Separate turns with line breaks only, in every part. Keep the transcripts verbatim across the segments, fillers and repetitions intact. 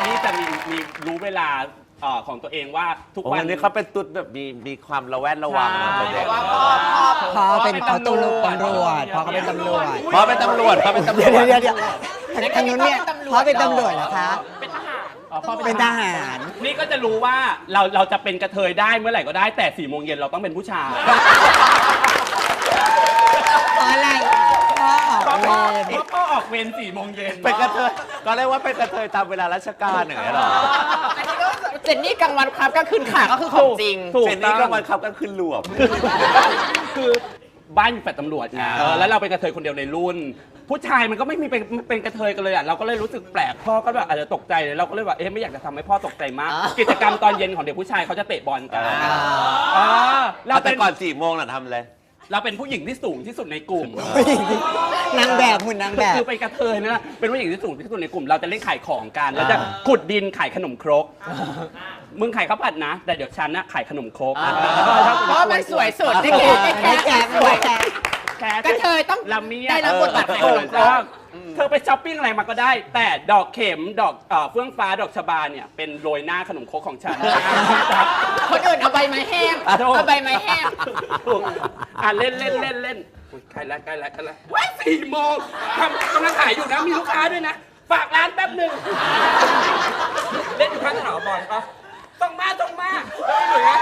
ที่จะมีมีรู้เวลาของตัวเองว่าทุกวัน
นี้เขาเป็นตุ๊ดแบบมีมีความระแวดระวังนะเด็ก
พอเป็นเขาตำรวจตำรวจพอเขาเป็นตำรวจ
พอเป็นตำรวจพอเป็นตำรวจ
เดี๋ยวเดี๋ยวเดี๋ยวทางนู้นเนี่ยพอเป็นตำรวจเหรอคะ
เป็นทหาร
เป็นทหาร
นี่ก็จะรู้ว่าเราเราจะเป็นกระเทยได้เมื่อไหร่ก็ได้แต่สี่โมงเย็นเราต้องเป็นผู้ชาย
เพราะอะไรพ่อออกเวร
เพราะพ่อออกเวรสี่โมงเย็น
เป็นกระเทยก็เรียกว่าเป็นกระเทยตามเวลาราชการอย่างเงี้ยหรอ
อันนี้ก็เจนนี่กลางวันครับก็ขึ้นขาก็คือของจริง
เจนนี่ก็มันขับกันขึ้นรวม
คือบ้านอยู่แฟลตตำรวจไงเออแล้วเราเป็นกระเทยคนเดียวในรุ่น ผู้ชายมันก็ไม่มีเป็นเป็นกระเทยกันเลยอ่ะเราก็เลยรู้สึกแปลกพ่อก็แบบอาจจะตกใจเลยเราก็เลยว่าเอ๊ะไม่อยากจะทำให้พ่อตกใจมาก กิจกรรมตอนเย็นของเด็กผู้ชายเขาจะเตะบอลกันเราเป็
แต่
น
ก่อนสี่โมงน่ะทำเลย
เราเป็นผู้หญิงที่สูงที่สุดในกลุ่ม
นางแบบหุ่นนางแบบ
คือเป็นกระเทยนะเป็นผู้หญิงที่สูงที่สุดในกลุ่มเราจะเล่นขายของกันแล้วจะขุดดินขายขนมครกมึงขายข้าวผัดนะแต่เดี๋ยวฉันนะขายขนมครก
เพราะมันสวยสุดที่แกแกแกสวยแกกระเทยต้อง
ลำเมีย
ได้รับบทบาทขายขนมครก
เธอไปช้อปปิ้งอะไรมาก็ได้ แต่ดอกเข็มดอกเฟื่องฟ้าดอกชบาเนี่ยเป็นโรยหน้าขนมครกของฉัน
คนอื่นเอาใบไม้แห้งเอาใบไม้แห้ง
อ่ะเล่นเล่นเล่นเล่นใกล้แล้วใกล้แล้วใกล้แล้วว้ายสี่โมงทำกำลังขายอยู่นะมีลูกค้าด้วยนะฝากร้านแป๊บหนึ่งเล่นอยู่ข้างถนนบอลปะต้องมาต้องมาต้องมา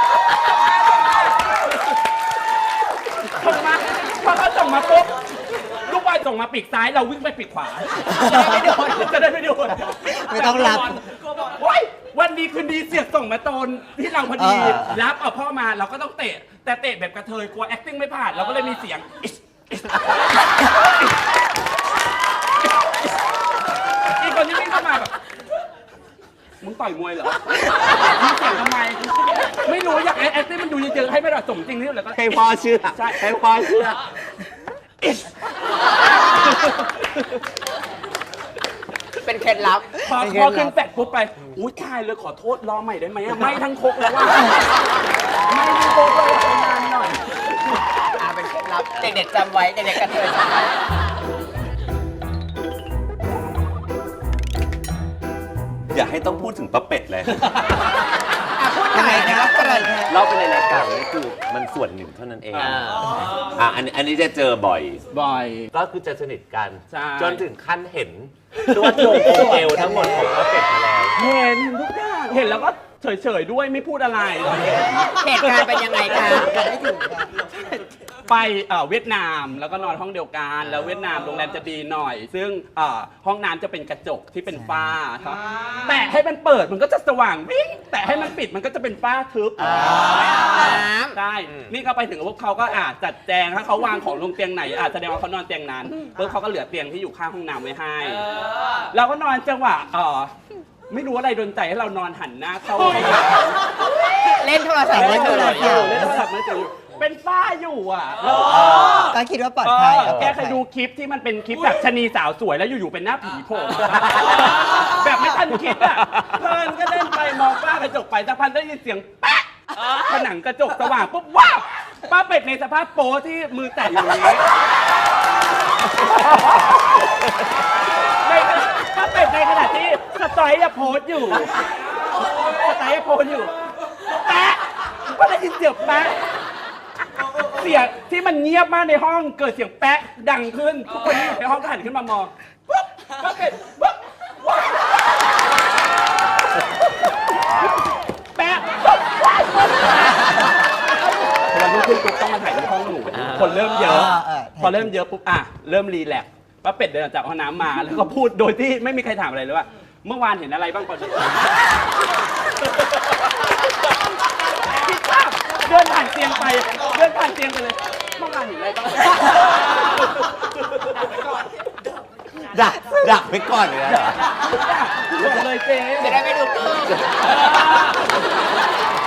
ต้องมาพอเขาส่งมาปุ๊บลูกบอลส่งมาปีกซ้ายเราวิ่งไปปีกขวาจะได้ไม่โดนจะได้ไม่โดน
ไม่ต้องรับ
โอ๊ยวันดีคืนดีเสียกส่งมาโตนที่เราพอดีรับเอาพ่อมาเราก็ต้องเตะแต่เตะแบบกระเทยกลัว acting ไม่ผ่านเราก็เลยมีเสียงอีกคนที่วิ่งเข้ามาแบบมึงต่อยมวยเหรอมึงเสียงทำไมไม่รู้อยาก acting มันดูเยอะๆให้ไม่ได้สมจริงนี่แหละก็
ให้พ่อเชื่อให้พ่อเชื่อ
เป็นเคล็ดลับ
พอพอขึ้นแฟดปุ๊บไปอุ้ยตายเลยขอโทษรอใหม่ได้ไหมไม่ทั้งคกแล้วว่าไม่ทั้งคกเลยนานหน่อย
อ่าเป็นเคล็ดลับเด็กๆจำไว้เด็กๆกระเทยจำไว้
อย่าให้ต้องพูดถึงป้าเป็ดเลย
อ่ะพูดหน่อยนะครับกระเทย
เล่าไปในรายการนี่คือมันส่วนหนึ่งเท่านั้นเองอ่าอันนี้อันนี้จะเจอบ่อย
บ่อย
ก็คือจะสนิทกัน
ใช่
จนถึงขั้นเห็นตัวโจงโเอวทั้งหมดของป้าเป็ดมาแล้ว
เห็นทุกอย่างเห็นแล้วก็เฉยๆด้วยไม่พูดอะไร
เหตุการณ์เป็นยังไงคะ
ไปเวียดนามแล้วก็นอนห้องเดียวกันแล้วเวียดนามโรงแรมจะดีหน่อย ซึ่งห้องน้ำจะเป็นกระจกที่เป็นฝ้าครับแต่ให้มันเปิดมันก็จะสว่างวิ่งแต่ให้มันปิดมันก็จะเป็นฝ้าทึบใช่นี่ก็ไปถึงพวกเขาก็อาจจัดแจงถ้าเขาวางของลงเตียงไหนอาจแสดงว่าเขานอนเตียงนั้นเพื่อเขาก็เหลือเตียงที่อยู่ข้างห้องน้ำไว้ให้เราก็นอนจังหวะไม่รู้อะไรโดนใจให้เรานอนหันหน้าเข้า
เล่นโทรศัพท์
เล่
เล่
น
น
โท
โท
ร
ร
ศั
ศั
พ
พ
ท์
ท์
เล่นโทรศัพท์ไม่เจออยู่เป็นฝ้าอยู่อ่ะ
ก็คิดว่าปลอดภัย
แกเคยดูคลิปที่มันเป็นคลิปแบบชะนีสาวสวยแล้วอยู่ๆเป็นหน้าผีโผล่แบบไม่ทันคิดอ่ะเพลินก็เล่นไปมองฝ้ากระจกไปสักพักได้ยินเสียงแป๊ะผนังกระจกสว่างปุ๊บว้าวป้าเป็ดในสภาพโป๊ที่มือแตะอยู่นี้ในป้าเป็ดในขณะที่สไตล์จะโพสอยู่สไตล์จะโพสอยู่แป๊ะก็ได้ยินเสียงแป๊ะเสียงที่มันเงียบมากในห้องเกิดเสียงแป๊ะดังขึ้นทุกคนที่อยู่ในห้องก็หันขึ้นมามองปุ๊บป้าเป็ดปุ๊บแป๊ะปุ๊บวันรุ่งขึ้นปุ๊บต้องมาถ่ายในห้องหนูคนเริ่มเยอะพอเริ่มเยอะปุ๊บอ่ะเริ่มรีแลกซ์ป้าเป็ดเดินออกจากห้องน้ำมาแล้วก็พูดโดยที่ไม่มีใครถามอะไรเลยว่าเมื่อวานเห็นอะไรบ้างก่อนเดินผ่านเตียงไปเดินผ่านเตียงไปเลยเมื่อวานเห็นอะไรบ้าง
ดักดักไปก่อนเลยนะ
บอกเลยเจ๊
จะได้ไม่ดูเกิน